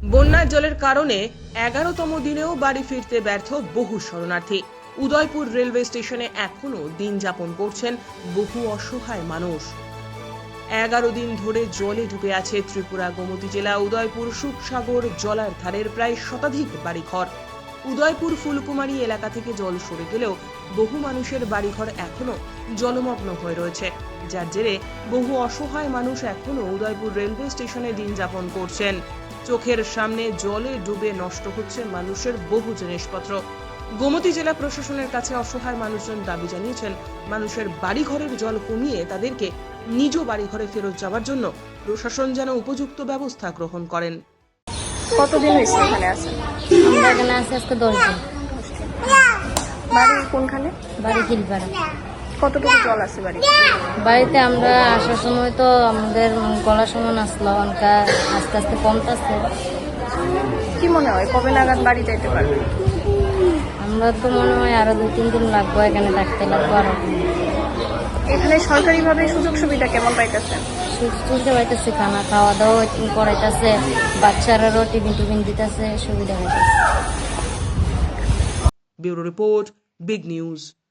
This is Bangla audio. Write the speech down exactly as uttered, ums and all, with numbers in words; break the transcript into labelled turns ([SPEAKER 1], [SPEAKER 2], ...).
[SPEAKER 1] বন্যার জলের কারণে এগারোতম দিনেও বাড়ি ফিরতে ব্যর্থ বহু শরণার্থী। উদয়পুর রেলওয়ে স্টেশনে এখনো দিন যাপন করছেন বহু অসহায় মানুষ। এগারো দিন ধরে জলে ডুবে আছে ত্রিপুরা গোমতী জেলা উদয়পুর সুখসাগর জলার ধারের প্রায় শতাধিক বাড়িঘর। উদয়পুর ফুলকুমারী এলাকা থেকে জল সরে গেলেও বহু মানুষের বাড়িঘর এখনো জলমগ্ন হয়ে রয়েছে, যার জেরে বহু অসহায় মানুষ এখনো উদয়পুর রেলওয়ে স্টেশনে দিন যাপন করছেন। চোখের সামনে জলে ডুবে নষ্ট হচ্ছে মানুষের বহু জিনিসপত্র। গোমতী জেলা প্রশাসনের কাছে অসহায় মানুষজন দাবি জানিয়েছেন, মানুষের বাড়িঘরের জল কমিয়ে তাদেরকে নিজ বাড়িঘরে ফেরত যাওয়ার জন্য প্রশাসন যেন উপযুক্ত ব্যবস্থা গ্রহণ করেন।
[SPEAKER 2] কতদিন হয়েছে এখানে আছেন?
[SPEAKER 3] আমরা এখানে আছি আজকে দশ দিন।
[SPEAKER 2] বাড়ি কোনখানে?
[SPEAKER 3] বাড়ি খিলপাড়া।
[SPEAKER 2] কতটুকু জল আছে বাড়ি?
[SPEAKER 3] বাড়িতে আমরা আসার সময় তো আমাদের গলার সমান আসলো, অনকা আস্তে আস্তে কমতেছে।
[SPEAKER 2] কি মনে হয় কবে নাগাদ বাড়ি যাইতে পারবে?
[SPEAKER 3] আমরা তো মনে হয় আরো দুই তিন দিন লাগবো, এখানে থাকতে লাগবো আরো।
[SPEAKER 2] এখানে সরকারিভাবে সুযোগ সুবিধা কেমন পাইতেছেন?
[SPEAKER 3] সুবিধা পাইতেছে, খানা খাওয়া দাওয়া করাইতেছে, বাচ্চারারও টিফিন টিফিন দিতেছে, সুবিধা হইতেছে।
[SPEAKER 1] Bureau report, big news.